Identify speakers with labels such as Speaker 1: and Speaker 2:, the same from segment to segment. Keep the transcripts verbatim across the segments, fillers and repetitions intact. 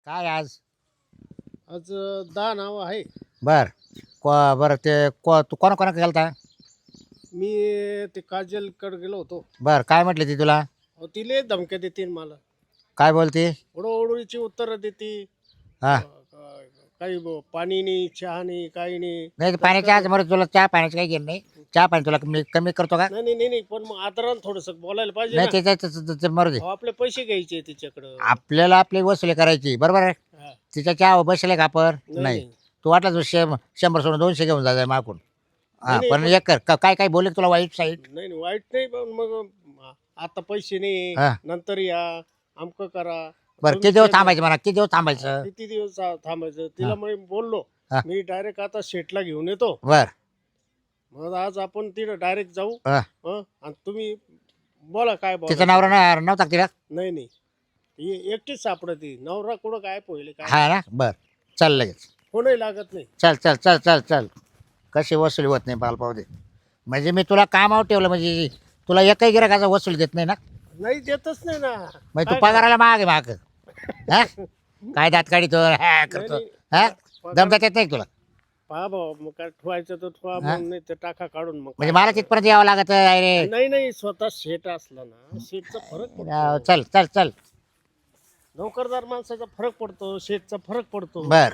Speaker 1: काय आज?
Speaker 2: आज अ, दहा नाव आहे.
Speaker 1: बर को बरं ते को तू कोणा कोणा गेलता?
Speaker 2: मी ते काजलकडे गेलो होतो.
Speaker 1: बर काय म्हटली ती तुला?
Speaker 2: अहो, ती लय धमक्या देते मला.
Speaker 1: काय बोलती?
Speaker 2: ओढोओढीची उत्तरं देते.
Speaker 1: हा
Speaker 2: अ, क- काही ब- पाणी नाही, चहा नाही, काही नाही.
Speaker 1: नाही ते पाण्याच्या आज बरं तुला चहा पाण्याचं काही घेणं नाही. चहा पाणी तुला कमी कमी करतो का?
Speaker 2: नाही नाही नाही नाही, पण मग आदरानं थोडंसं बोलायला पाहिजे
Speaker 1: नाही
Speaker 2: ना.
Speaker 1: ते ते- ते- ते- ते मरू दे.
Speaker 2: अहो, आपले पैसे घ्यायचे तिच्याकडं.
Speaker 1: आपल्याला आपली वसुली करायची बरोबर आहे.
Speaker 2: हा.
Speaker 1: तिच्या चहा बसले का आपण?
Speaker 2: नाही,
Speaker 1: नाही.
Speaker 2: नाही.
Speaker 1: तू वाटला तू शे शंभर सोडून दोनशे घेऊन जा मागून. हा
Speaker 2: नाही,
Speaker 1: पण
Speaker 2: पण-
Speaker 1: एक कर का- काय काय बोलले तुला वाईट साईड?
Speaker 2: नाही नाही, वाईट नाही, पण मग अ, आता पैसे नाही,
Speaker 1: हा.
Speaker 2: नंतर या, आमकं करा.
Speaker 1: बरं
Speaker 2: तुम्ही
Speaker 1: किती दिवस
Speaker 2: ते-
Speaker 1: थांबायचं म्हणा किती दिवस थांबायचं?
Speaker 2: किती दिवस था- थांबायचं तिला मी बोललो.
Speaker 1: हा.
Speaker 2: मी डायरेक्ट आता शेटला घेऊन येतो.
Speaker 1: बर
Speaker 2: मग आज आपण तिथं डायरेक्ट जाऊ.
Speaker 1: हा.
Speaker 2: हं? आणि तुम्ही बोला काय बोला.
Speaker 1: तिचा नवरा ना- नव्हता का तिला?
Speaker 2: नाही नाही, ही एकटीच सापडती. नवरा कुठं काय पहिले काय
Speaker 1: हा ना बर चल लगेच.
Speaker 2: कोणही लागत नाही.
Speaker 1: चल चल चल चल चल कशी वसुली होत नाही पाल पाहू दे. म्हणजे मी तुला कामावर ठेवलं म्हणजे तुला एकही गिराकाचा वसूल देत नाही ना.
Speaker 2: नाही देतच नाही ना.
Speaker 1: म्हणजे तू
Speaker 2: काय
Speaker 1: पगाराला माग आहे माग. हा काय दात काढितो हा करतो
Speaker 2: नाही,
Speaker 1: हा
Speaker 2: पगार-
Speaker 1: दमदात येत नाही तुला.
Speaker 2: पहा भाऊ, मग काय ठेवायचं तर ठेवा,
Speaker 1: हा?
Speaker 2: मग नाही तर टाका काढून. मग
Speaker 1: म्हणजे
Speaker 2: काय
Speaker 1: मला तिथपर्यंत यावं लागत आहे रे.
Speaker 2: नाही नाही, स्वतः शेट असला ना, शेटचा फरक पडतो.
Speaker 1: चल चल चल
Speaker 2: नोकरदार माणसाचा फरक पडतो, शेटचा फरक पडतो.
Speaker 1: बर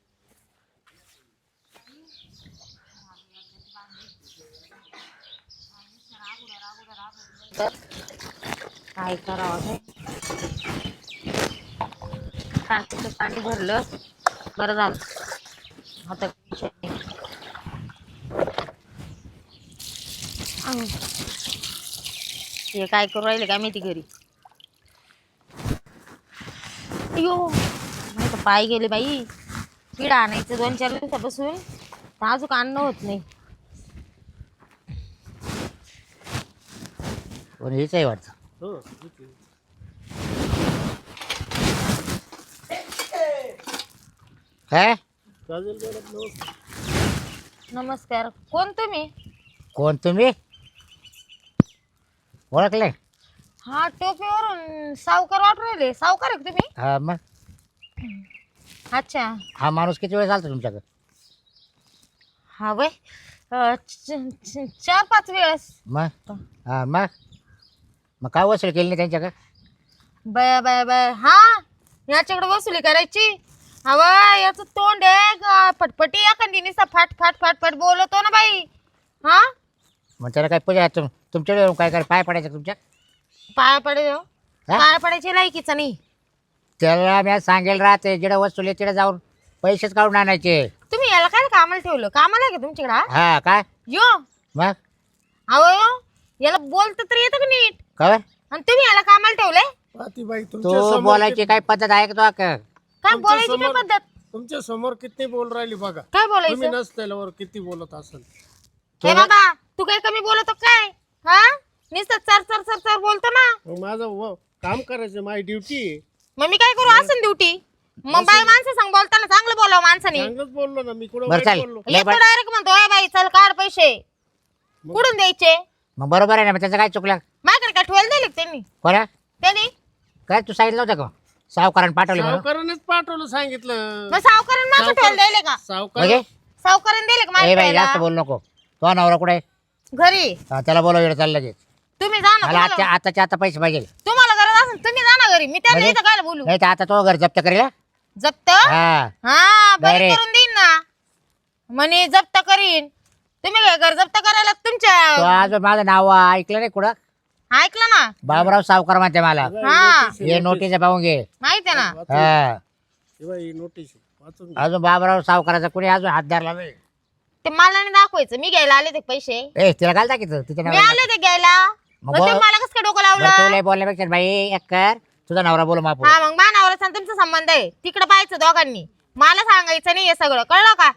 Speaker 3: काय करावं हे? टाकीचं पाणी भरलं बरं झालं. आता विषय नाही. अं. हे काय करू राहिले काय माहिती घरी. अयो नाही तर पाय गेले बाई. किडा आणायचं दोन चार दिवसापासून तर अजून आणणं होत नाही.
Speaker 1: पण हेच आहे वाटतं.
Speaker 2: हो, ठीक आहे.
Speaker 1: काय
Speaker 2: काजल मॅडम, नमस्कार.
Speaker 3: नमस्कार. कोण तुम्ही?
Speaker 1: कोण तुम्ही? ओळखले?
Speaker 3: हा टोपीवरून सावकार वाटू राहिले. सावकार आहे का तुम्ही?
Speaker 1: हा मग
Speaker 3: अच्छा.
Speaker 1: हा माणूस किती वेळ चालतो तुमच्याकडे?
Speaker 3: हा वय अं, च- च- चार पाच वेळेस.
Speaker 1: मग हा मग मग काय वसूल केली नाही त्यांच्याकडे?
Speaker 3: Bye bye bye. हा याच्याकडे वसुली करायची. हवा याचं तोंड आहे का फटफटी एखादी निसा फाट फाट फाट फाट बोलतो ना बाई. हा
Speaker 1: मग त्याला काय पूजा तुम तुमच्याकडे येऊन काय काय पाय पडायचं तुमच्या?
Speaker 3: पाया पडे
Speaker 1: हा?
Speaker 3: पाया पडायची लायकीचा नाही.
Speaker 1: त्याला मी सांगेल राहते जिकडे वस्तू आहे तिकडे जाऊन पैसेच काढून आणायचे.
Speaker 3: तुम्ही याला काय कामाला ठेवलं? कामाला आहे का तुमच्याकडे? हा?
Speaker 1: हा काय
Speaker 3: यो
Speaker 1: मग
Speaker 3: अहो याला बोलतं तर येतं का नीट?
Speaker 1: काय
Speaker 3: आणि तुम्ही याला कामाला ठेवलंय?
Speaker 2: पाहती बाई, तुमच्या
Speaker 1: तो
Speaker 2: समोर
Speaker 1: बोलायची
Speaker 2: किती-
Speaker 1: काय पद्धत आहे का तो का?
Speaker 3: काय
Speaker 2: तुमच्या
Speaker 3: बोलायची काय
Speaker 2: समोर-
Speaker 3: पद्धत?
Speaker 2: तुमच्या समोर किती बोल राहिली बघा.
Speaker 3: काय
Speaker 2: तुम्ही
Speaker 3: बोलायचं?
Speaker 2: नसल्यावर किती बोलत असेल.
Speaker 3: हे बाबा तू काय कमी बोलतो काय? हा नुसतं चर चर चर चर बोलतो ना.
Speaker 2: मग माझं व- काम करायचं, माझी ड्युटी.
Speaker 3: मग मी काय करू? असं ड्युटी. मग बाई माणसं सांग बोलताना चांगलं बोलावं माणसाने.
Speaker 2: चांगलंच बोललो ना मी, कुठं
Speaker 1: बरं
Speaker 2: वाईट
Speaker 1: चाल.
Speaker 2: बोललो.
Speaker 1: लय
Speaker 3: एक
Speaker 1: बरं.
Speaker 3: डायरेक्ट म्हणतो "ओय बाई चल काढ पैसे." कुठून द्यायचे?
Speaker 1: मग बरोबर आहे ना मग त्याचं काय चुकलं?
Speaker 3: माझ्याकडे काय ठेवायला दिले का त्यांनी?
Speaker 1: कोणा
Speaker 3: त्यांनी
Speaker 1: काय तू सांगितलं होतं का सावकारानं पाठवले म्हणून?
Speaker 2: सावकारानेच पाठवलं, सांगितलं.
Speaker 3: मग सावकारांनी माझं
Speaker 2: सावकार-
Speaker 3: ठेवायला दिले का?
Speaker 2: सावकार
Speaker 1: म्हणजे
Speaker 3: सावकारांनी दिले का
Speaker 1: ए
Speaker 3: माझ्या
Speaker 1: बाई जास्त
Speaker 3: ठेवायला?
Speaker 1: बोलू नको. तो नवरा कुठे आहे?
Speaker 3: घरी.
Speaker 1: हा, त्याला बोलव वेळ चालला लगेच.
Speaker 3: तुम्ही जा ना.
Speaker 1: मला आजच्या
Speaker 3: तुम्हाला
Speaker 1: आताच्या आता पैसे पाहिजे.
Speaker 3: तुम्हाला गरज असेल तुम्ही जा ना घरी. मी त्यांना
Speaker 1: म्हणजे?
Speaker 3: इथं काय बोलू?
Speaker 1: नाही तर आता तो घर जप्त करेल हा?
Speaker 3: जप्त?
Speaker 1: हा
Speaker 3: हा बरी
Speaker 1: Direct.
Speaker 3: करून देईन ना. म्हणे जप्त करीन. तुम्ही काय घर जप्त करायला
Speaker 1: तो
Speaker 3: तुमच्या
Speaker 1: आज माझं नाव ऐकलं नाही कुठं?
Speaker 3: ऐकलं ना?
Speaker 1: बाबराव सावकार म्हणते मला.
Speaker 3: हा.
Speaker 1: हे नोटीस पाहून घे.
Speaker 3: माहिती आहे ना?
Speaker 1: हा
Speaker 2: हे बाई, नोटीस वाचून घे.
Speaker 1: अजून बाबराव सावकाराचा कुणी अजून हात धरला नाही.
Speaker 3: ते मला नाही दाखवायचं. मी घ्यायला आले ते पैसे.
Speaker 1: ए तिला घाल टाकीचं तिच्या
Speaker 3: मी
Speaker 1: नवऱ्याला.
Speaker 3: आले ते घ्यायला.
Speaker 1: मग
Speaker 3: मग तुम्ही
Speaker 1: बोल.
Speaker 3: मला कसं काय डोकं
Speaker 1: बरं, तू
Speaker 3: लावलं?
Speaker 1: लय बोलण्यापेक्षा बाई एक कर तुझा नवरा बोल मापू.
Speaker 3: हा मग मानावर तुमचा संबंध आहे. तिकडे पाहायचं दोघांनी. मला सांगायचं नाही हे सगळं. कळलं का?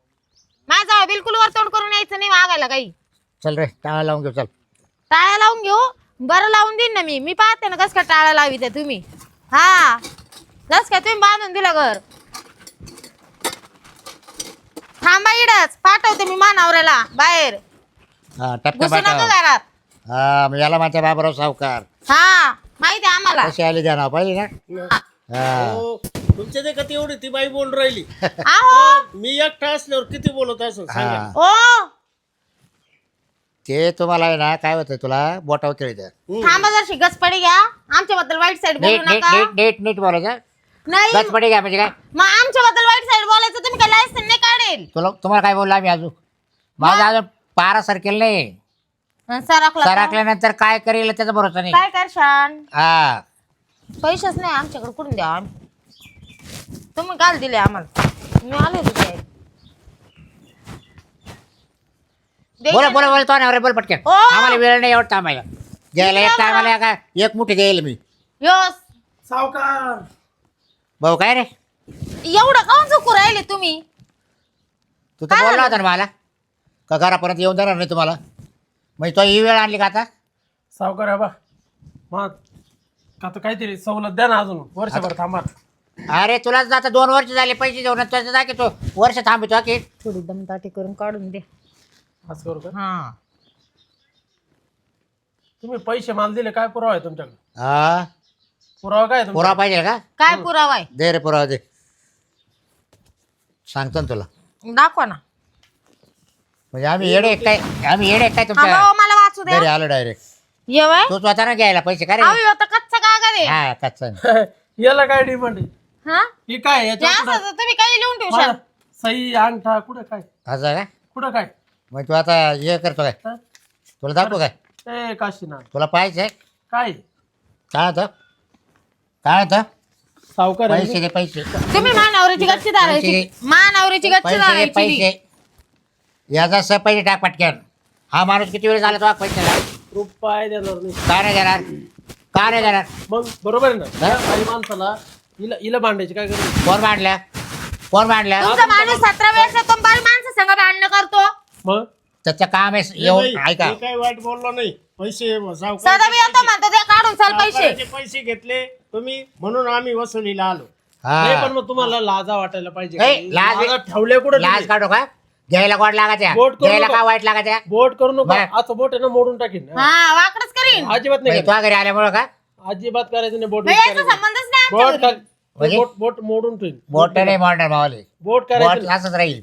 Speaker 3: माझा बिलकुल वरतोड करून यायचं नाही मागायला काही.
Speaker 1: चल रे टाळा लावून घेऊ चल.
Speaker 3: टाळ्या लावून घेऊ. बरं लावून देईन ना मी. मी पाहते ना कसं काय टाळ्या लावी ते तुम्ही. हा जस काय तुम्ही बांधून दिलं घर. थांबा इडच पाठवते मी मानावऱ्याला बाहेर.
Speaker 1: हा टपका
Speaker 3: घुसू नका
Speaker 1: पाठव.
Speaker 3: घरात.
Speaker 1: हा मग याला माझ्या बाबराव सावकार
Speaker 3: हा माहिती आहे आम्हाला.
Speaker 1: कशी आली द्या नाव पाहिजे ना.
Speaker 3: हा.
Speaker 1: हा
Speaker 2: हो, तुम्ही तुमच्या ते का एवढी ती बाई बोल राहिली
Speaker 3: आहो
Speaker 2: मी एकटा असल्यावर किती बोलत असं सांगा
Speaker 1: हा
Speaker 3: ओ
Speaker 1: ते तुम्हाला आहे ना काय होतं तुला बोटावर खेळतं.
Speaker 3: थांबा जर शिकच पडी घ्या आमच्याबद्दल वाईट साईड बोलू
Speaker 1: नीट नीट
Speaker 3: नका
Speaker 1: नीट नीट नीट बोलायचं.
Speaker 3: नाही
Speaker 1: गच पडी घ्या म्हणजे काय
Speaker 3: मग आमच्याबद्दल वाईट साईड बोलायचं तुम्ही काय लायसन नाही काढेल
Speaker 1: तुला तुम्हाला काय बोलला मी अजून माझं अजून पारा सरकेल नाही.
Speaker 3: सराकला का?
Speaker 1: सरकल्यानंतर काय करेल त्याचा भरोसा नाही.
Speaker 3: काय करशान
Speaker 1: हा
Speaker 3: पैसेच नाही आमच्याकडे कुठून द्या आम्ही तुम्ही काल दिले आम्हाला मी आले होते ते.
Speaker 1: बोला बोला बोला तो ना बोल पटकन.
Speaker 3: ओ!
Speaker 1: आम्हाला वेळ नाही एवढं थांबायला घ्यायला एक टायमाला का एक मुठी देईल मी.
Speaker 3: योस
Speaker 2: सावकार
Speaker 1: भाऊ काय रे
Speaker 3: एवढं काऊन चुकू राहिले तुम्ही
Speaker 1: तू तर बोलला होता ना मला का घरापर्यंत येऊन देणार नाही तुम्हाला म्हणजे तो ही वेळ आणली का आता.
Speaker 2: सावकार आहे बा मग का तर काहीतरी सवलत द्या ना अजून वर्षभर थांबा.
Speaker 1: अरे तुलाच आता दोन वर्ष झाले पैसे देऊन त्याचं जा की तो वर्ष थांबतो की.
Speaker 3: थोडी दमदाटी करून काढून दे
Speaker 2: असं करू का
Speaker 3: हा
Speaker 2: तुम्ही पैसे मला दिले काय पुरावा आहे तुमच्याकडे
Speaker 1: हा
Speaker 2: पुरावा काय आहे
Speaker 1: पुरावा
Speaker 2: तुमच्याकडे?
Speaker 1: पाहिजे का
Speaker 3: काय पुरावा आहे
Speaker 1: दे रे पुरावा दे सांगतो ना तुला
Speaker 3: दाखवा ना
Speaker 1: म्हणजे आम्ही येडे काय आम्ही येडे काय
Speaker 3: हा
Speaker 1: तुमच्या
Speaker 3: भाऊ, मला वाचू द्या
Speaker 1: घरी आलो डायरेक्ट.
Speaker 3: येवाय
Speaker 1: तू स्वतः घ्यायला पैसे का रे.
Speaker 3: अहो आता कच्चा कागद आहे
Speaker 1: हा कच्चा
Speaker 2: याला काय डिमांड आहे
Speaker 3: हा
Speaker 2: ही काय
Speaker 3: ते
Speaker 2: याच्या
Speaker 3: असं तर तुम्ही काही लिहून ठेवू
Speaker 2: मला
Speaker 3: शकता
Speaker 2: सही अंगठा कुठं काय
Speaker 1: असं का
Speaker 2: कुठं काय
Speaker 1: मग तू आता हे करतो काय
Speaker 2: हा?
Speaker 1: तुला दाखवू काय
Speaker 2: ए काशीनाथ
Speaker 1: तुला पाहिजे
Speaker 2: काय
Speaker 1: काय होतं काय होतं
Speaker 2: सावकार आहे
Speaker 1: पैसे दे पैसे
Speaker 3: तुम्ही मानावरीची गच्ची धरायची
Speaker 1: पैसे-
Speaker 3: मानावरीची गच्ची
Speaker 1: पैसे दे
Speaker 3: धरायची
Speaker 1: पैसे याचा स पैसे टाक पटकन. हा माणूस किती वेळ झाला तो पैसे
Speaker 2: रुपये देणार नाही
Speaker 1: का नाही देणार का नाही देणार
Speaker 2: मग बरोबर आहे ना
Speaker 1: हा?
Speaker 2: या काही माणसाला हिला हिला भांडायची काय गरज
Speaker 1: कोण मांडल्या कोण मांडल्या
Speaker 3: तुमचा माणूस सतरा वेळेस येतो बाल माणसं संग भांडणं करतो
Speaker 2: मग
Speaker 1: त्याचं काम आहे येऊन ऐका
Speaker 2: मी काय वाईट बोललो नाही पैसे सावकाराचे
Speaker 3: सदा मी येतो म्हणतो ते काढून चाल पैसे
Speaker 2: सावकाराचे पैसे घेतले तुम्ही म्हणून आम्ही वसुलीला आलो नाही पण
Speaker 1: हा
Speaker 2: मग तुम्हाला लाजा वाटायला पाहिजे
Speaker 1: ए,
Speaker 2: काही.
Speaker 1: लाज-
Speaker 2: लाजा ठेवले कुठे
Speaker 1: लाज काढू का घ्यायला गोड लागायच्या
Speaker 2: बोट करू
Speaker 1: घ्यायला
Speaker 2: नका.
Speaker 1: का वाईट लागायच्या
Speaker 2: बोट करू नका
Speaker 1: बरं.
Speaker 2: आता बोट आहे ना मोडून टाकीन
Speaker 3: हा वाकडच करीन
Speaker 2: अजिबात नाही
Speaker 1: म्हणजे तुझ्या घरी आल्यामुळं का
Speaker 2: करायचं. अजिबात करायचं नाही बोट
Speaker 3: नाही, याचा संबंधच नाही
Speaker 2: बोट
Speaker 3: आमच्या घरी.
Speaker 2: कर-
Speaker 1: म्हणजे?
Speaker 2: बोट बोट मोडून ठेवीन
Speaker 1: बोट नाही मोडणार मावाले
Speaker 2: बोट
Speaker 1: बोट
Speaker 2: करायचं
Speaker 1: असंच राहील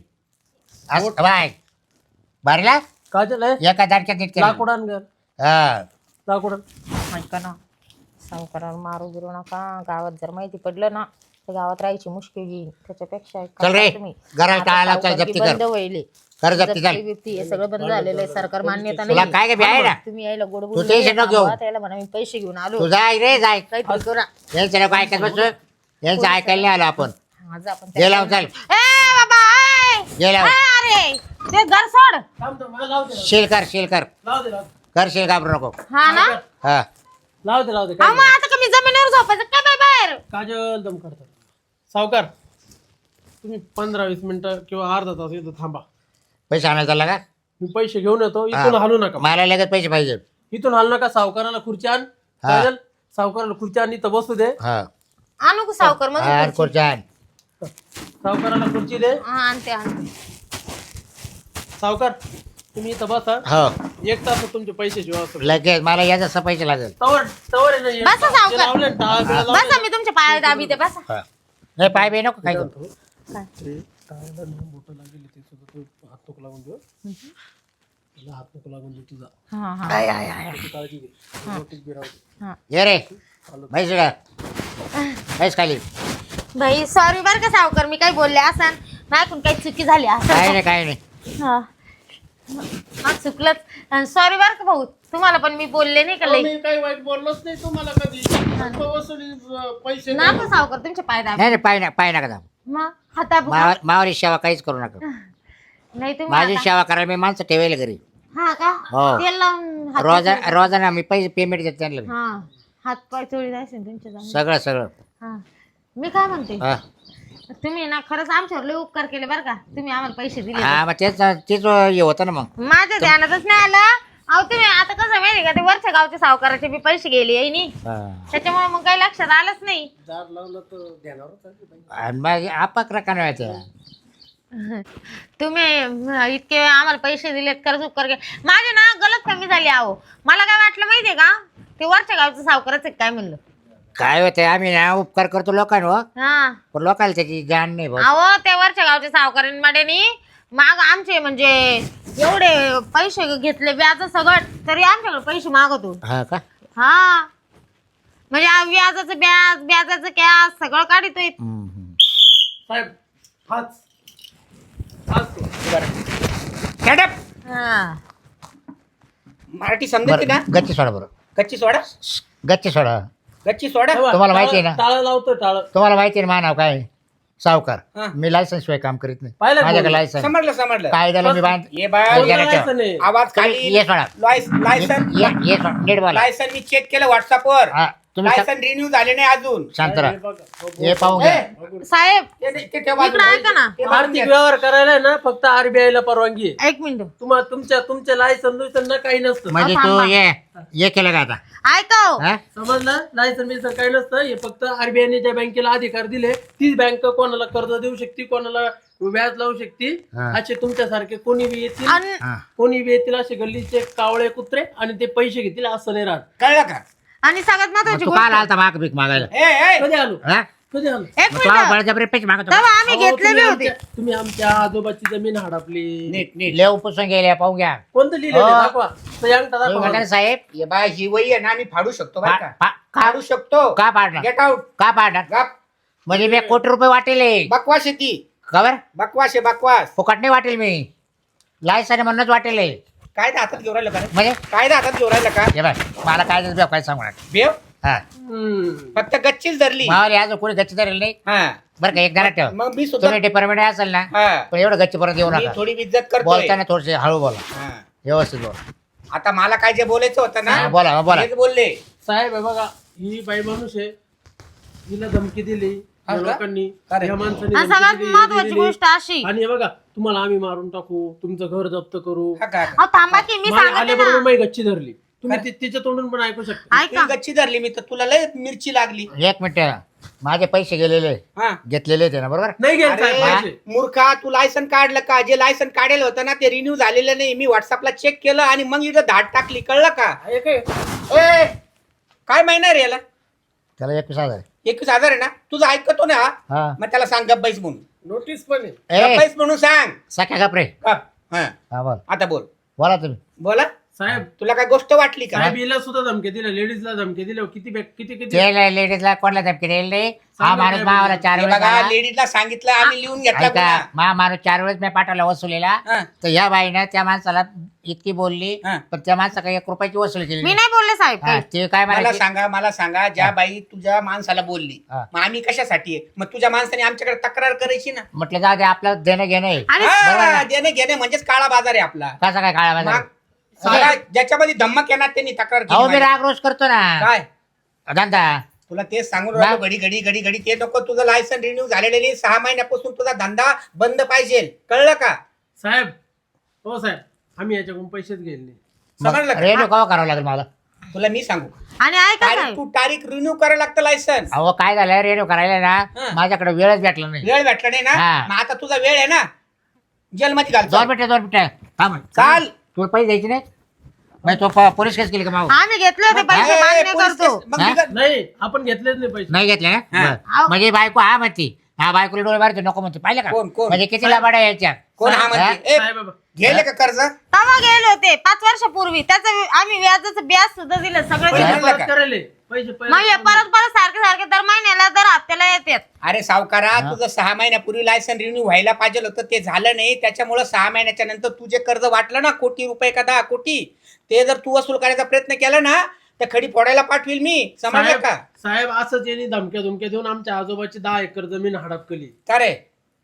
Speaker 1: असं बाय बारीला
Speaker 2: काजल आहे
Speaker 1: एका दाटक्यात नीट केलं.
Speaker 2: लाकूड घर
Speaker 1: हा
Speaker 2: लाकूड
Speaker 3: ऐका ना सावकाराला मारू बिरू नका गावात जर माहिती पडलं ना तर गावात राहायची मुश्किल येईल त्याच्यापेक्षा एक काम
Speaker 1: चल रे,
Speaker 3: करा तुम्ही.
Speaker 1: घराला
Speaker 3: आता
Speaker 1: टाळा लाव, चल,
Speaker 3: सावकारकी
Speaker 1: जप्ती कर.
Speaker 3: बंद होईल
Speaker 1: कर जप्ती
Speaker 3: जप्ती
Speaker 1: कर.
Speaker 3: बिप्ती हे सगळं बंद झालेलं आहे सरकार मान्यता
Speaker 1: तुला
Speaker 3: नाही
Speaker 1: काय काय बी आहे ना
Speaker 3: तुम्ही यायला गोड
Speaker 1: तू
Speaker 3: बोलून
Speaker 1: टेन्शन नको घेऊ.
Speaker 3: थांबवा, त्याला म्हणा मी पैसे घेऊन आलो
Speaker 1: तू जाय रे जाय
Speaker 3: काहीतरी करा
Speaker 1: यांचं नको ऐकत बसू यांचं ऐकायला नाही आलो आपण
Speaker 3: आज आपण
Speaker 1: ये लावून चाल
Speaker 3: ए बाबा ए!
Speaker 1: ये लाव
Speaker 3: ए, अरे ते घर सोड
Speaker 2: थांब थांब मला लाव दे
Speaker 1: शेल कर शेल कर
Speaker 2: लाव दे लाव दे.
Speaker 1: कर शेल घाबरू नको
Speaker 3: हा ना
Speaker 1: हा
Speaker 2: लाव दे लाव दे
Speaker 3: हा
Speaker 2: काय
Speaker 3: मग आता का मी जमिनीवर झोपायचं काय बाय बाहेर
Speaker 2: काजल दम करतात सावकार तुम्ही पंधरा वीस मिनिटं किंवा अर्धा तास इथं थांबा
Speaker 1: पैसे आणायला चालला का
Speaker 2: मी पैसे घेऊन येतो इथून हलू नका
Speaker 1: मला लगेच पैसे पाहिजे
Speaker 2: इथून हलू नका सावकाराला खुर्ची आण
Speaker 1: हा.
Speaker 2: काजल सावकाराला खुर्ची आण इथं बसू दे
Speaker 1: हा
Speaker 3: आणू का सावकार मग
Speaker 1: हा खुर्च्यान
Speaker 2: सावकाराला खुर्ची दे
Speaker 3: हा आणते आणते
Speaker 2: सावकार तुम्ही इथं बसा
Speaker 1: हो
Speaker 2: एक तास तुमचे पैशाची व्यवस्था
Speaker 1: लगेच मला याचा असं पैसे लागेल
Speaker 2: तवर तवर आहे ना हे
Speaker 3: बसा सावकार.
Speaker 2: ते लावले ना, टाळ बिळ लावले
Speaker 3: बसा मी तुमच्या पाया दाबी ते बसा
Speaker 1: हा नाही पाय बी नको काय करू
Speaker 2: ना. ते टाळाला ना बोटं लागेल ते सुद्धा तू हात नको लागून देऊ तुला हात नको लागून देऊ तुझा
Speaker 3: हा हा
Speaker 2: त्याची काळजी घे नोटीस बी राहू दे.
Speaker 3: हा
Speaker 1: ये रे माहिती का काहीच खाली
Speaker 3: भाई सॉरी बर का सावकार मी काही बोलले असन माझ्याकडून काही चुकी झाली
Speaker 1: काय
Speaker 3: असं
Speaker 1: नाही काय नाही
Speaker 3: हा हा, चुकलंच सॉरी बर का भाऊ तुम्हाला पण मी बोलले नाही का
Speaker 2: अहो,
Speaker 3: लई
Speaker 2: मी काही वाईट बोललोच नाही तुम्हाला कधी फक्त वसुली अं, पैसे
Speaker 3: ना पण सावकार तुमच्या पाय दाबी
Speaker 1: नाही नाही पाय ना पाय नका दाब.
Speaker 3: मग हाता
Speaker 1: मावा मावारी सेवा काहीच करू नका
Speaker 3: नाही तुम्ही
Speaker 1: माझी
Speaker 3: आता-
Speaker 1: सेवा करायला मी माणसं ठेवायला घरी
Speaker 3: हा का
Speaker 1: हो.
Speaker 3: तेल लावून हात-
Speaker 1: रोजा रोजाना मी पैसे पेमेंट देते त्यांना
Speaker 3: हा हात पाय चोळी जायचे तुमच्या जाऊन
Speaker 1: सगळं सगळं
Speaker 3: हा मी काय म्हणते
Speaker 1: हा
Speaker 3: तुम्ही ना खरंच आमच्यावर लय उपकार केले बरं का तुम्ही आम्हाला पैसे दिले
Speaker 1: हा मग तेच तेच हे होतं ना मग
Speaker 3: माझ्या ध्यानातच नाही आलं अहो तुम्ही आता कसं माहिती का ते वरच्या गावच्या सावकाराचे बी पैसे गेले आहे नी
Speaker 1: हा.
Speaker 3: त्याच्यामुळे मग काही लक्षात आलंच नाही
Speaker 2: दार लावलं तर ध्यानावर चालते बाई.
Speaker 1: आणि मग आपाक रकान व्हायचं
Speaker 3: तुम्ही अं, इतके आम्हाला पैसे दिलेत कर्ज उपकार केले माझी ना गलत कमी झाली अहो मला काय वाटलं माहितीये का ते वरच्या गावचं सावकारच आहे काय म्हणलं
Speaker 1: काय होतंय आम्ही ना उपकार करतो लोकांवर
Speaker 3: हा
Speaker 1: पण लोकांना त्याची जाण नाही भाऊ.
Speaker 3: अहो त्या वरच्या गावच्या सावकारांमध्ये माग आमचे म्हणजे एवढे पैसे घेतले व्याज सगळं तरी आमच्याकडे पैसे मागतो.
Speaker 1: हा का
Speaker 3: हा म्हणजे आ- व्याजाचं व्याज व्याजाचं कॅश सगळं काढतोय.
Speaker 1: हम्म, हम्म.
Speaker 2: साहेब हाच हाच तो.
Speaker 4: Shut up.
Speaker 3: हा
Speaker 4: मराठी समजते
Speaker 1: बरं
Speaker 4: ना
Speaker 1: गच्ची सोडा बरं
Speaker 4: गच्ची सोडा
Speaker 1: गच्ची सोडा
Speaker 4: गच्ची सोडा
Speaker 2: तेव्हा
Speaker 1: तुम्हाला माहिती आहे
Speaker 2: टाळं-
Speaker 1: ना?
Speaker 2: टाळं लावतो टाळं.
Speaker 1: तुम्हाला माहिती आहे ना माझं नाव काय आहे? सावकार
Speaker 4: हा.
Speaker 1: मी लायसन्स शिवाय काम करीत नाही
Speaker 2: पाहिलं
Speaker 1: माझ्याकडे
Speaker 2: बोल.
Speaker 1: लायसन्स
Speaker 4: समजलं समजलं
Speaker 1: कायद्याला मी बांध
Speaker 4: ये बाय
Speaker 1: बोल.
Speaker 2: कोणतं
Speaker 1: घ्या ना ठेवा.
Speaker 2: लायसन आहे?
Speaker 4: आवाज
Speaker 1: तुम्ही
Speaker 4: खाली
Speaker 1: ये सोडा
Speaker 4: लायसन
Speaker 1: ये ये सोडा नीट बोला
Speaker 4: लायसन मी चेक केलं व्हॉट्सअपवर
Speaker 1: हा तुम्ही श-
Speaker 4: लायसन रिन्यू झाले नाही अजून
Speaker 1: शांत
Speaker 2: हे
Speaker 1: राहा
Speaker 2: बघा, हो, बोल.
Speaker 1: हे पाहून घ्या
Speaker 3: साहेब
Speaker 4: ते- ते ठेव बाजूला.
Speaker 3: इकडं ऐका ना.
Speaker 4: ते बाजूला
Speaker 2: आर्थिक
Speaker 4: घ्या.
Speaker 2: व्यवहार करायला आहे ना फक्त आरबीआय ला परवानगी आहे.
Speaker 3: एक मिनिट
Speaker 2: तुम्हाला तुमच्या तुमच्या लायसन ना काही नसतं.
Speaker 1: म्हणजे
Speaker 3: अहो,
Speaker 1: तू
Speaker 3: थांबा.
Speaker 1: ये ये केलं का आता
Speaker 3: ऐका हो.
Speaker 1: हा?
Speaker 2: समजलं लायसन बिसन काही नसतं. हे फक्त आरबीआयने ज्या बँकेला अधिकार दिले तीच बँक कोणाला कर्ज देऊ शकते कोणाला व्याज लावू शकते.
Speaker 1: हा.
Speaker 2: असे तुमच्यासारखे कोणी बी येतील
Speaker 3: अन-
Speaker 1: हा.
Speaker 2: कोणी बी येतील असे गल्लीचे कावळे कुत्रे आणि ते पैसे घेतील असं नाही राहत.
Speaker 4: कळलं का
Speaker 3: आणि सगळ्यात
Speaker 1: मग
Speaker 3: महत्वाची
Speaker 1: तू
Speaker 3: गोष्ट
Speaker 1: काल आलता माग भीक मागायला
Speaker 4: ए, ए,
Speaker 2: कधी आलो
Speaker 1: हा?
Speaker 2: कधी आलो
Speaker 3: एक
Speaker 1: मग तू
Speaker 3: मिनिट
Speaker 1: बळजबरी पैसे मागतो
Speaker 3: तेव्हा आम्ही
Speaker 2: अहो,
Speaker 3: घेतलेले
Speaker 2: तुम्ही
Speaker 3: होते.
Speaker 2: आमच्या- तुम्ही आमच्या आजोबाची जमीन हडपली.
Speaker 4: नीट नीट
Speaker 1: लेव पुसून गेले पाहून घ्या
Speaker 2: कोणतं लिहिलेलं
Speaker 1: हो.
Speaker 2: आहे? दाखवा तो यांगठा
Speaker 1: तुम्ही
Speaker 2: दाखवा
Speaker 1: म्हणता ना साहेब
Speaker 4: ये बाय ही वही आहे ना मी फाडू शकतो बरं
Speaker 1: पा-
Speaker 4: का
Speaker 1: पा- का
Speaker 4: फाडू शकतो
Speaker 1: का पाडणार
Speaker 4: गेट आउट
Speaker 1: का पाडणार
Speaker 4: गप
Speaker 1: म्हणजे मी कोटी रुपये वाटेले
Speaker 4: बकवास आहे ती
Speaker 1: खबर
Speaker 4: बकवास आहे बकवास
Speaker 1: फुकट नाही वाटेल मी लायसन म्हणूनच वाटेले
Speaker 4: कायदा हातात घेऊन राहिलं का रे?
Speaker 1: म्हणजे
Speaker 4: कायदा हातात घेऊन राहिलं का
Speaker 1: हे बाय मला काय देत काय सांगू नका.
Speaker 4: बेव
Speaker 1: हा
Speaker 2: हम्म.
Speaker 4: फक्त गच्चीच धरली
Speaker 1: मावाले आज कोणी गच्ची धरेल नाही
Speaker 4: हा
Speaker 1: बरं का एक जणात ठेव
Speaker 4: मग मी सुद्धा
Speaker 1: तुम्ही डिपार्टमेंट असेल ना
Speaker 4: हा
Speaker 1: पण एवढं गच्ची परत येऊ
Speaker 4: मी
Speaker 1: नका
Speaker 4: थोडी इज्जत करतो
Speaker 1: बोलताना थोडेसे हळू बोला व्यवस्थित बोला
Speaker 4: आता मला काय जे बोलायचं होतं
Speaker 1: हा,
Speaker 4: ना
Speaker 1: बोला हा, बोला
Speaker 4: तेच बोलले
Speaker 2: साहेब हे बघा ही बाई माणूस आहे हिला धमकी दिली
Speaker 4: हा
Speaker 2: या
Speaker 4: का?
Speaker 2: लोकांनी
Speaker 4: अरे.
Speaker 2: या माणसाने
Speaker 3: आणि
Speaker 2: धमकी
Speaker 3: सगळ्यात
Speaker 2: दिली,
Speaker 3: महत्वाची
Speaker 2: दिली.
Speaker 3: गोष्ट अशी
Speaker 2: आणि हे बघा तुम्हाला आम्ही मारून टाकू तुमचं घर जप्त करू
Speaker 4: हा का?
Speaker 3: अहो थांबा की मी सांगते
Speaker 2: आल्याबरोबर
Speaker 3: ना.
Speaker 2: मी गच्ची धरली तुम्ही ति- तिच्या तोंडून पण ऐकू शकता
Speaker 3: ऐका
Speaker 4: तू गच्ची धरली मी तर तुला लय मिरची लागली
Speaker 1: एक मिनिट माझे पैसे गेलेले
Speaker 4: हा
Speaker 1: घेतलेले ते ना बरोबर
Speaker 2: नाही गेलं
Speaker 4: अरे,
Speaker 2: साहेब पैसे.
Speaker 4: मूर्खा तू लायसन काढलं का जे लायसन काढेल होतं ना ते रिन्यू झालेलं नाही मी व्हॉट्सअपला चेक केलं आणि मग इथं धाड टाकली कळलं का
Speaker 2: हे काय?
Speaker 4: ए काय महिना रे याला
Speaker 1: त्याला एकवीस हजार आहे.
Speaker 4: एकवीस हजार आहे ना तुझं ऐकतो ना
Speaker 1: हा
Speaker 4: मग त्याला सांग गप्पाईस म्हणून
Speaker 2: नोटीस पण आहे
Speaker 1: ए
Speaker 4: गप्पाईस म्हणून सांग
Speaker 1: सख्या कपरे
Speaker 4: गप. हा
Speaker 1: हा बोल
Speaker 4: आता बोल
Speaker 1: बोला तुम्ही
Speaker 4: बोला
Speaker 2: साहेब
Speaker 4: तुला काय गोष्ट वाटली का
Speaker 2: साहेब हिला सुद्धा धमकी दिल्या लेडीजला धमकी दिल्या किती बॅ- किती किती
Speaker 1: ते लेडीजला कोणाला धमकी देईल नाही हा
Speaker 2: सांगा
Speaker 1: माणूस
Speaker 2: काय
Speaker 1: मावाला
Speaker 2: बोलतो.
Speaker 1: चार
Speaker 4: हे
Speaker 1: वेळेस
Speaker 4: बघा
Speaker 1: आला.
Speaker 4: लेडीजला सांगितलं आम्ही लिहून घेतला
Speaker 1: ऐका
Speaker 4: गुन्हा.
Speaker 1: मा माणूस चार वेळेस मी पाठवला वसुलीला
Speaker 4: हा.
Speaker 1: तर या बाईनं त्या माणसाला इतकी बोलली
Speaker 4: हा.
Speaker 1: पण त्या माणसा एक रुपयाची वसुली केली
Speaker 3: मी
Speaker 1: नाही.
Speaker 3: नाही बोलले साहेब
Speaker 1: हा, ते काय
Speaker 4: मला
Speaker 1: म्हणायचे
Speaker 4: सांगा मला सांगा ज्या बाई तुझ्या माणसाला बोलली
Speaker 1: हा.
Speaker 4: मग आम्ही कशासाठी आहे? मग तुझ्या माणसाने आमच्याकडे तक्रार करायची ना
Speaker 1: म्हटलं जाऊ दे आपलं देणं घेणं आहे.
Speaker 3: आणि
Speaker 1: बरोबर
Speaker 4: हा,
Speaker 1: ना?
Speaker 4: देणे घेणे म्हणजेच काळा बाजार आहे आपला
Speaker 1: कसा काय काळा बाजार
Speaker 4: मग सारा ज्याच्यामध्ये धम्मक येणार त्यांनी तक्रार
Speaker 1: अहो
Speaker 4: केली
Speaker 1: मी
Speaker 4: माझ्या.
Speaker 1: राग रोज करतो ना
Speaker 4: काय
Speaker 1: धंदा
Speaker 4: तुला तेच सांगून राहिलो
Speaker 1: मग?
Speaker 4: घडी घडी घडी घडी ते नको तुझं लायसन रिन्यू झालेलं नाही सहा महिन्यापासून तुझा धंदा बंद पाहिजे कळलं का
Speaker 2: साहेब हो साहेब आम्ही याच्याकडून पैसेच गेले नाही.
Speaker 4: समजलं का?
Speaker 1: रेडिओ कवा करावं लागेल मला
Speaker 4: तुला मी सांगू
Speaker 3: आणि ऐका
Speaker 4: तारीख
Speaker 3: साहेब
Speaker 4: तू तारीख रिन्यू करायला लागतं लायसन
Speaker 1: अहो काय झालं रेडिओ करायला ना
Speaker 4: हा.
Speaker 1: माझ्याकडे वेळच भेटला नाही
Speaker 4: वेळ भेटला नाही ना
Speaker 1: हा.
Speaker 4: मग आता तुझा वेळ आहे ना जेलमध्ये घाल
Speaker 1: दोन मिनिटं दोन मिनिटं थांब
Speaker 4: चाल
Speaker 1: तुला पैसे द्यायचे नाही मग तो प- पोलीस केस केली का माऊ
Speaker 3: आम्ही घेतले होते पैसे
Speaker 4: ए,
Speaker 3: मान्य
Speaker 4: पोलीस
Speaker 3: करतो
Speaker 4: केस- मग
Speaker 1: हा?
Speaker 4: बिगर-
Speaker 2: नाही आपण घेतलेच नाही पैसे
Speaker 1: नाही घेतले ना
Speaker 4: हा.
Speaker 1: बरं.
Speaker 3: अहो.
Speaker 1: म्हणजे बायको हा म्हणती हा बायकोला डोळे मारते नको म्हणते पाहिलं का
Speaker 4: कोण, कोण?
Speaker 1: म्हणजे किती लाबाड्या यायच्या
Speaker 4: कोण हा म्हणते ए,
Speaker 2: साहेब बाबा
Speaker 4: गेले का कर्ज
Speaker 3: तेव्हा गेले होते पाच वर्षापूर्वी त्याचं आम्ही व्याजाचं व्याज सुद्धा दिलं सगळं
Speaker 2: पैसे
Speaker 3: दिलं.
Speaker 4: भरलं
Speaker 2: परत
Speaker 4: का?
Speaker 2: करायले पैसे
Speaker 3: मग हे परत परत सारखे सारखे दर महिन्याला दर हप्त्याला येतात
Speaker 4: अरे सावकारा
Speaker 1: हा.
Speaker 4: तुझं सहा महिन्यापूर्वी लायसन रिन्यू व्हायला पाहिजे होतं ते झालं नाही त्याच्यामुळे सहा महिन्याच्या नंतर तुझे कर्ज वाटलं ना कोटी रुपये का दहा कोटी ते जर तू वसूल करायचा प्रयत्न केला ना तर खडी फोडायला पाठवील मी समजलं
Speaker 2: साहेब
Speaker 4: का
Speaker 2: साहेब असंच यांनी धमक्या धमक्या देऊन आमच्या आजोबाची दहा एकर जमीन हडपकली
Speaker 4: का रे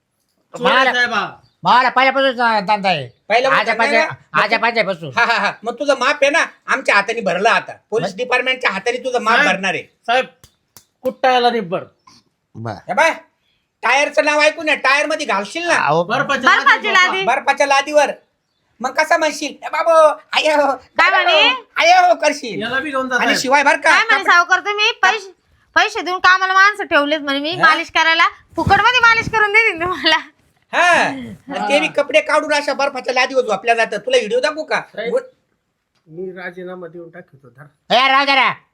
Speaker 1: मला-
Speaker 2: साहेब हा.
Speaker 1: मला पहिल्यापासून धंदा आहे
Speaker 4: पहिल्यापासून
Speaker 1: आजा
Speaker 4: धंदा आहे
Speaker 1: पाहिजे आजा पाहिजेपासून
Speaker 4: हा हा हा मग तुझं माप आहे ना आमच्या हाताने भरलं आता पोलीस डिपार्टमेंटच्या हाताने तुझं माप
Speaker 2: साहेब.
Speaker 4: भरणार आहे
Speaker 2: साहेब कुट्टायला निब्बर
Speaker 1: बर
Speaker 4: हे बाय टायरचं नाव ऐकून टायर मध्ये घालशील ना
Speaker 1: अहो
Speaker 2: बर्फाच्या
Speaker 3: बर्फाची
Speaker 2: लादी
Speaker 3: लादी.
Speaker 4: बर्फाच्या लादीवर मग कसा म्हणशील ए बाबो आय हो
Speaker 3: काय म्हणे?
Speaker 4: आय हो करशील
Speaker 2: याला बी घेऊन जा
Speaker 4: आणि
Speaker 2: साहेब.
Speaker 4: शिवाय बर का
Speaker 3: काय म्हणे सावकार तुम्ही पैसे पैसे देऊन कामाला माणसं ठेवलेत म्हणे मी
Speaker 4: हा?
Speaker 3: मालिश करायला फुकट मध्ये मालिश करून देतील तुम्हाला
Speaker 4: हा आणि ते बी कपडे काढून अशा बर्फाच्या लादीवर झोपल्या जातात तुला व्हिडिओ दाखवू का
Speaker 2: साहेब. मी राजीनामा देऊन टाकतो धर
Speaker 1: ए राव जरा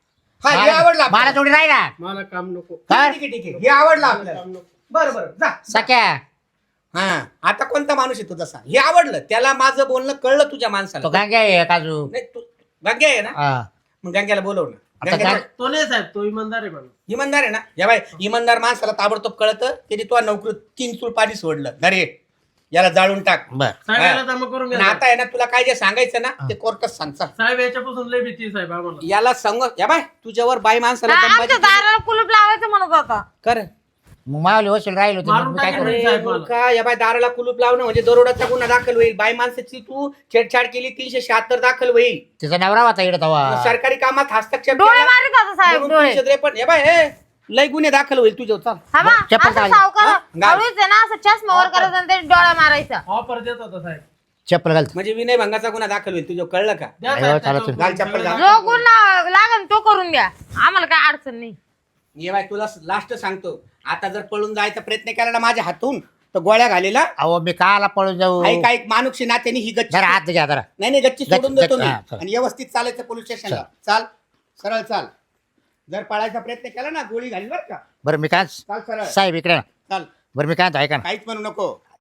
Speaker 4: हा हे
Speaker 1: मला
Speaker 4: आवडला
Speaker 1: मला
Speaker 4: आपल्याला.
Speaker 1: थोडी राही ना
Speaker 2: मला काम नको
Speaker 1: काय?
Speaker 4: ठीक आहे ठीक आहे हे आवडलं आपल्याला
Speaker 2: काम नको.
Speaker 4: बरं बरं जा
Speaker 1: सख्या
Speaker 4: हा आता कोणता माणूस आहे तुझा सांग हे आवडलं त्याला माझं बोलणं कळलं तुझ्या माणसाला
Speaker 1: तो गांग्या आहे काजू
Speaker 4: नाही तू गंग्या आहे ना
Speaker 1: हा
Speaker 4: मग गंग्याला बोलव ना
Speaker 1: आता
Speaker 4: गंग्याला-
Speaker 1: काय?
Speaker 2: तो नाही साहेब तो इमानदार आहे मला
Speaker 4: इमानदार आहे ना या बाय इमानदार माणसाला ताबडतोब कळतं त्याने तुला नोकरी तीन चूळ पाणी सोडलं घरे याला जाळून टाक
Speaker 1: बर
Speaker 2: साहेबाला जमा करून
Speaker 4: आणि
Speaker 2: घ्या
Speaker 4: आता आहे ना तुला काय जे सांगायचं ना ते कोर्टात सांग चल.
Speaker 2: साहेब याच्यापासून लय भीती आहे साहेब आम्हाला
Speaker 4: याला सांग या बाय तुझ्यावर बाई माणसाला
Speaker 3: हा,
Speaker 4: दमबाजी
Speaker 3: आमच्या
Speaker 4: केली.
Speaker 3: दाराला कुलूप लावायचं म्हणत होता
Speaker 4: कर
Speaker 1: मग मावली वसूल राहील होती
Speaker 2: मारून
Speaker 1: मग मी काय
Speaker 2: टाकेल
Speaker 1: करू
Speaker 2: नाही.
Speaker 4: अरे
Speaker 2: साहेब मला.
Speaker 4: मूर्खा, या बाय दाराला कुलूप लावणं म्हणजे दरोडाचा गुन्हा दाखल होईल बाई माणसाची तू छेडछाड केली तीनशे शहात्तर दाखल होईल
Speaker 1: तिचा नवरा होता इकडे तवा
Speaker 4: सरकारी कामात हस्तक्षेप
Speaker 3: डोळे
Speaker 4: केला
Speaker 3: मारित होता साहेब
Speaker 4: म्हणून
Speaker 3: डोळे
Speaker 4: तीनशे त्रेपन्न या बाय हे, लय गुन्हे दाखल होईल तुझ्या चाल
Speaker 3: हा बा,
Speaker 1: चप्पल
Speaker 3: असं
Speaker 1: घाल.
Speaker 3: सावकार
Speaker 4: हा? घाल.
Speaker 3: हळूच आहे ना असं चष्मा वर करायचा आणि ते डोळा मारायचा
Speaker 2: ऑफर देत होता साहेब
Speaker 1: चप्पल घालत
Speaker 4: म्हणजे विनय भंगाचा गुन्हा दाखल होईल तुझं कळलं का
Speaker 2: द्या
Speaker 1: नाही
Speaker 2: साहेब
Speaker 1: हो, चालत
Speaker 2: त्याच्यावर
Speaker 4: घाल चप्पल घाल.
Speaker 3: जो गुण ला- लागन तो करून द्या आम्हाला काय अडचण नाही
Speaker 4: ये बाय तुला लास्ट सांगतो आता जर पळून जायचा प्रयत्न केला ना माझ्या हातून तर गोळ्या घालेला
Speaker 1: अहो मी काला पळून जाऊ
Speaker 4: काही काही मानुक्षी नात्याने ही गच्ची
Speaker 1: जरा हात घ्या जरा
Speaker 4: नाही नाही गच्ची
Speaker 1: गच्ची-
Speaker 4: सोडून देतो
Speaker 1: गच्ची-
Speaker 4: मी
Speaker 1: हा, चला.
Speaker 4: आणि व्यवस्थित चालायचं पोलीस स्टेशनला चाल सरळ चाल जर पळायचा प्रयत्न केला ना गोळी घाली बरं का
Speaker 1: बरं मी काय
Speaker 4: चाल सरळ
Speaker 1: साहेब इकडे ना.
Speaker 4: चाल
Speaker 1: बरं मी काय म्हणतो, ऐका ना
Speaker 4: काहीच म्हणू नको